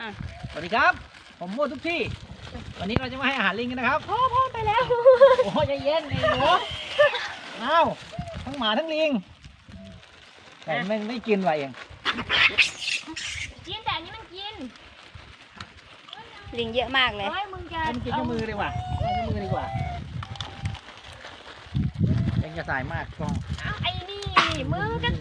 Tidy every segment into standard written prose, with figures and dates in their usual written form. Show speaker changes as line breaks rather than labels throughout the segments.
สวัสดีครับผมมั่วทุกที่วันนี้เราจะมาให้อาหารลิงกันนะครับ
พ่อไปแล้ว
โอ้ยใจเย็นไอ้หนูอ้าวทั้งหมาทั้งลิงแต่ไม่กินว่ะเอง
กินแต่อันนี้มันกิน
ลิงเยอะมากเลย
มึงจะ
มันกินกับมือดีกว่ากินกับมือดีกว่าเองจะสายมากกล้อง
ไอ้นี่มือกัน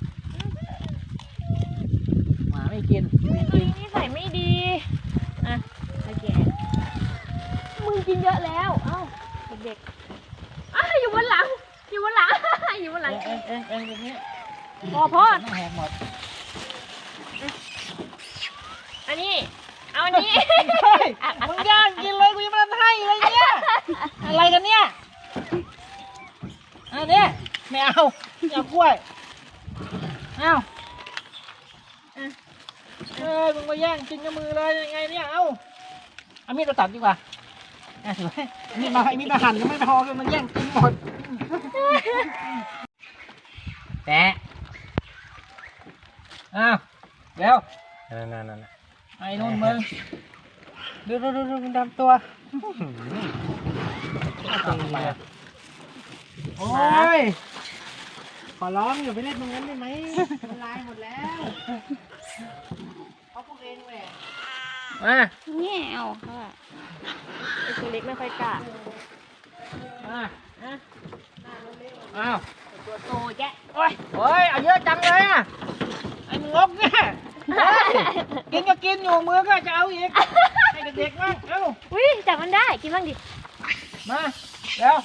หมาไม่กิน
นี่ใส่ไม่ดีอ่ะโอเคมึงกินเยอะแล้วเอ้าเด็กๆอยู่บนหลังอยู่บนหลังอยู่บนหลัง
เองอย่างนี้
พ่อ
ต้องแหกหมด
อันนี้เอาอันนี้
มึงย่างกินเลยกูยังไม่ทำให้เลยเนี่ยอะไรกันเนี่ยอันนี้ไม่เอากล้วยเอามึงมาย่างกินกับมือเลยยังไงเนี่ยเอามีดมาตัดดีกว่าถือมีดมาหั่นยังไม่พอเลยมันแย่งกินหมดแตะอ้าวเร็วนั่นไอ้นู่นมึงดูมันดำตัวโอ้ยขอร้องอย่าไปเล่นตรงนั้นได้ไหมมันลายหมดแล้วเขาพวกเองแหละ
เนี่ยเอาค่ะ
ไอ้ตัวเล็กไม่ค่อยกล้า
อ้าว
ตัวโตแก
โอ้ยเอาเยอะจังเลยอ่ะไอ้มึงงกเนี่ยกินก็กินอยู่มือก็จะเอาอีกให้เด็กๆมั่งเอ้า
จับมันได้กินบ้างดิ
มาเร็ว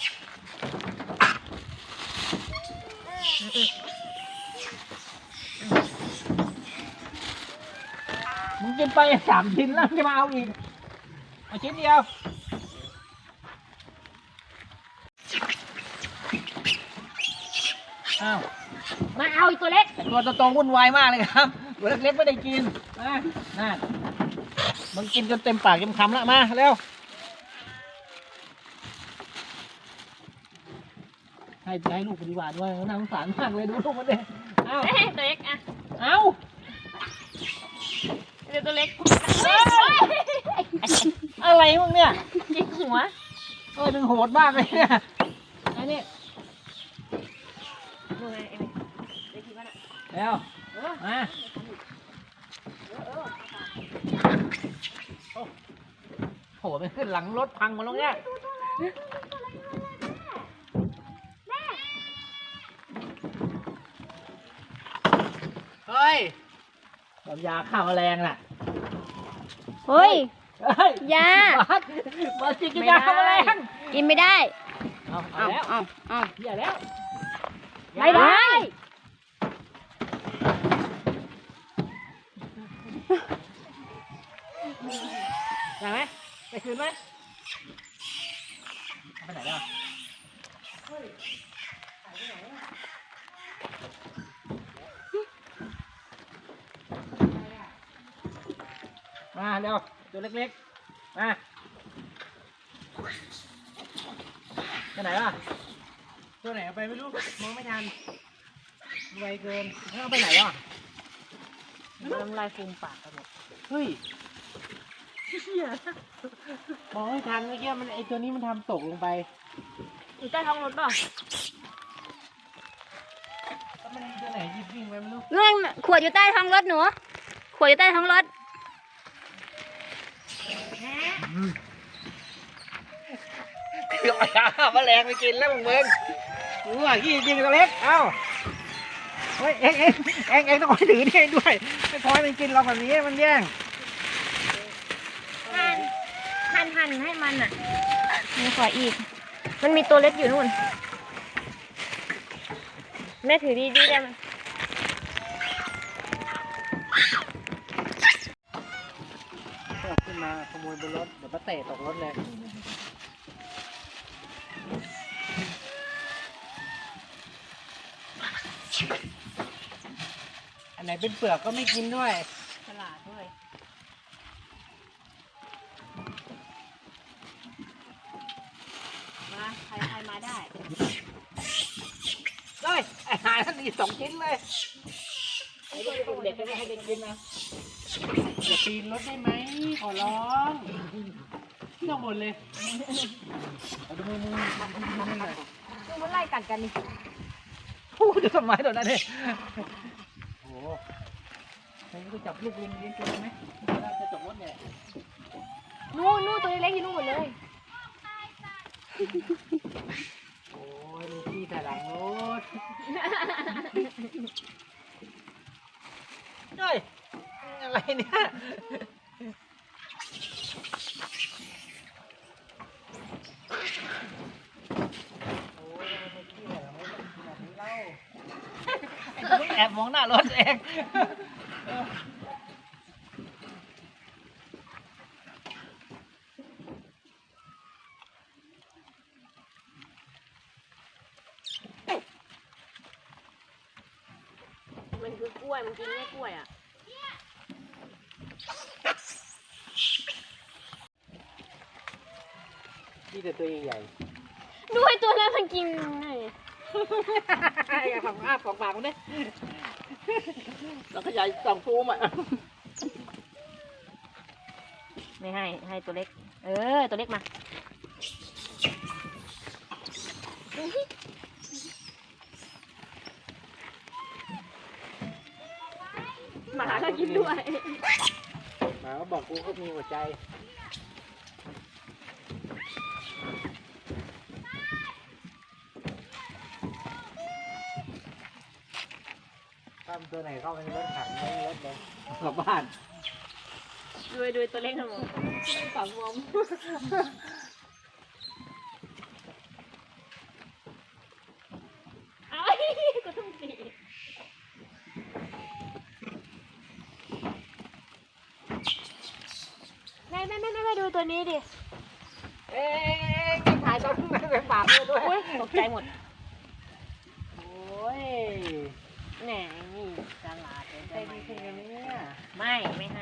มึงกินไป3 ชิ้นแล้วจะมาเอาอีกเอาชิ้นเดียวอ้าว
มาเอาอีกตัวเล็ก
ตัวโตวุ่นวายมากเลยครับตัวเล็กๆไม่ได้กินนั่นมึงกินจนเต็มปากเต็มคำแล้วมาเร็วให้ลูกปฏิบัติด้วยน่าสงสารมากเลยดูลูกมันเด็กเอา
ตัวเล็ก
เอา
เดี๋ยวตัวเล็ก
อะไรมึงเนี่ย
ยิงหัว
ดึงโหดมากเลยเนี่ยไอ้นี่
ดูไงเอ็มเด็กที่บ้าน
เร็วมาโหไปขึ้นหลังรถพังหมดแล้วเนี่ยเฮ้ยยาฆ่าแมลงน่ะ
เฮ้ยยา
บาสกินยาฆ่าแมลง
กินไม่ได้
เอาแล้วอย่าแล้ว
ไม่ได้
ได้ไหมไปคืนไหมไปไหนแล้วมาเร็วตัวเล็กๆมาไปไหนล่ะตัวไหนเอาไปไม่รู้มองไม่ทันไวเกินเอาไปไหนล่ะ
น้ำลายฟูมปากกันหมด
เฮ้ยมองไม่ทันเมื่อกี้มันไอตัวนี้มันทำตกลงไป
อยู่ใต้ท้องรถป่ะ
มันตัวไหนยิบวิ่งไปไม่รู้
เรื่องขวดอยู่ใต้ท้องรถหนูขวดอยู่ใต้ท้องรถ
เดี๋ยวแมลงไปกินแล้วมึงรู้ว่าขี้จริงตัวเล็กเอ้าเฮ้ยเอ็งต้องคอยถือนี่ด้วยไม่พอให้มันกินเราแบบนี้มันแย่ง
หั่นให้มันมีขวาอีกมันมีตัวเล็กอยู่นู่นแม่ถือดีได้ไหม
ขึ้นมาขโมยบนรถเดี๋ยวป้าเตะตกรถเลยอันไหนเป็นเปลือกก็ไม่กินด้วย
ฉลาดด้วยมาใครมาได้
อาหารท่านมี2 ชิ้นเลยให้เด็กกินนะอย่าปีนรถได้ไหมขอร้องไม่ต้องบ่นเลยเอาดูมือหน่อย
ดูมันไล่กัดกันนี่
พูดจะทำไมตัวนั้นเนี่ยโอ้โหใครก็จับลูกลุงเลี้ยงตัวไหมน่าจะจบรถเนี่ย
นู่นตัวเล็กๆอยู่นู่นหมดเลย
โอ้ยลูกพี่แต่หลังรถเฮ้ยอะไรเนี่ยแอบมองหน้ารถเอง
มันคือกล้วยมันกินแค่กล้วยอ่ะ
นี่แต่ตัวใหญ่
ดูไอ้ตัวนั้นมันกินไง
อย่าฝังอ้าฝังปากมันดิเราขยายสองฟูมอ่ะ
ไม่ให้ตัวเล็กตัวเล็กมาหมาก็กินด้วย
หมาก็บอกกูก็มีหัวใจถ้าตัวไหนเข้าไปในรถขังในรถเลยกลับบ้าน
ดูตัวเล็กทั้งหมดฝังวมไอ้ก็ต้องตีแม่ดูตัวนี้ดิ
เอ๊ะถ่ายตอนนั้นเป็นปากด้วย
อุ้ยตกใจหมด
โอ้ย
แหนนี่ตลาดเลย
ใจดีจริงเลยเนี่ย
ไม่ให้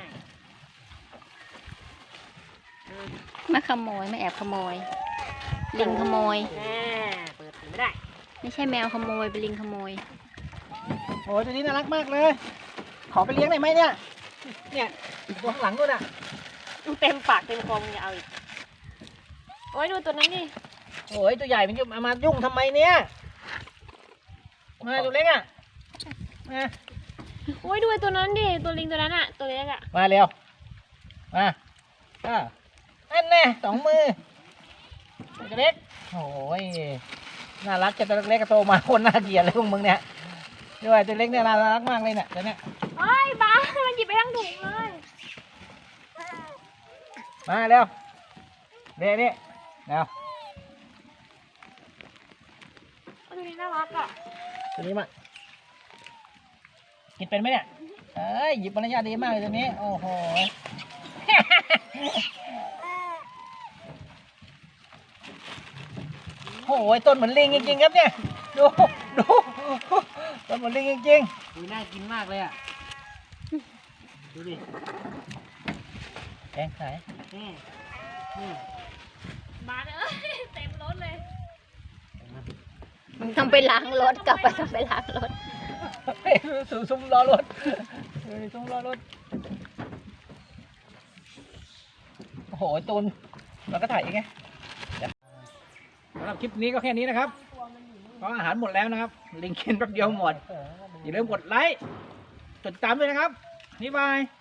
มาขโมยไม่แอบขโมย ลิงขโมย
แม่เปิดไม่ได้
ไม่ใช่แมวขโมยเป็นลิงขโมย
โอ้ยตัวนี้น่ารักมากเลย ขอไปเลี้ยงได้ไหมเนี่ย เนี่ยตัวข้างหลังด้วยน่ะ
ดูเต็มปากเต็มคอมึงอย่าเอาอีกโอ้ยดูตัวนั้นดิ
โอ้ยตัวใหญ่มันจะมายุ่งทำไมเนี่ยมาตัวเล็กอ่ะมา
โอ้ยดูไอ้ตัวนั้นดิตัวลิงตัวนั้นอะตัวเล็กอะ
มาเร็วมาอันแน่สองมือตัวเล็กโอ้ยน่ารักจะตัวเล็กก็โตมาคนน่าเกลียดเลยพวกมึงเนี่ยด้วยตัวเล็กเนี่ยน่ารักมากเลยเนี่ยตัวเนี้ย
โอ้ยบ้ามันหยิบไปทั้งถุงเลย
มาเร็วเดี๋ยวนี่เร็ว
ตัวนี้น่ารักอะ
ตัวนี้มากินเป็นไหมเนี่ยเอ้ยหยิบมารยาทดีมากเลยตัวนี้โอ้โห โอ้ยต้นเหมือนลิงจริงๆครับเนี่ยดูต้นเหมือนลิงจริงๆดูน่ากินมากเลยอ่ะดูดิแกงไข่
มาเลยเต็มรถเลย
มึงต้องไปล้างรถกลับไปต้องไปล้างรถ
สู่ซุ้มล้อรถซุ้มล้อรถโอ้โหตูนเราก็ถ่ายอีกไงสำหรับคลิปนี้ก็แค่นี้นะครับเพราะอาหารหมดแล้วนะครับลิงกินแป๊บเดียวหมดอย่าลืมกดไลค์กดติดตามด้วยนะครับบ๊ายบาย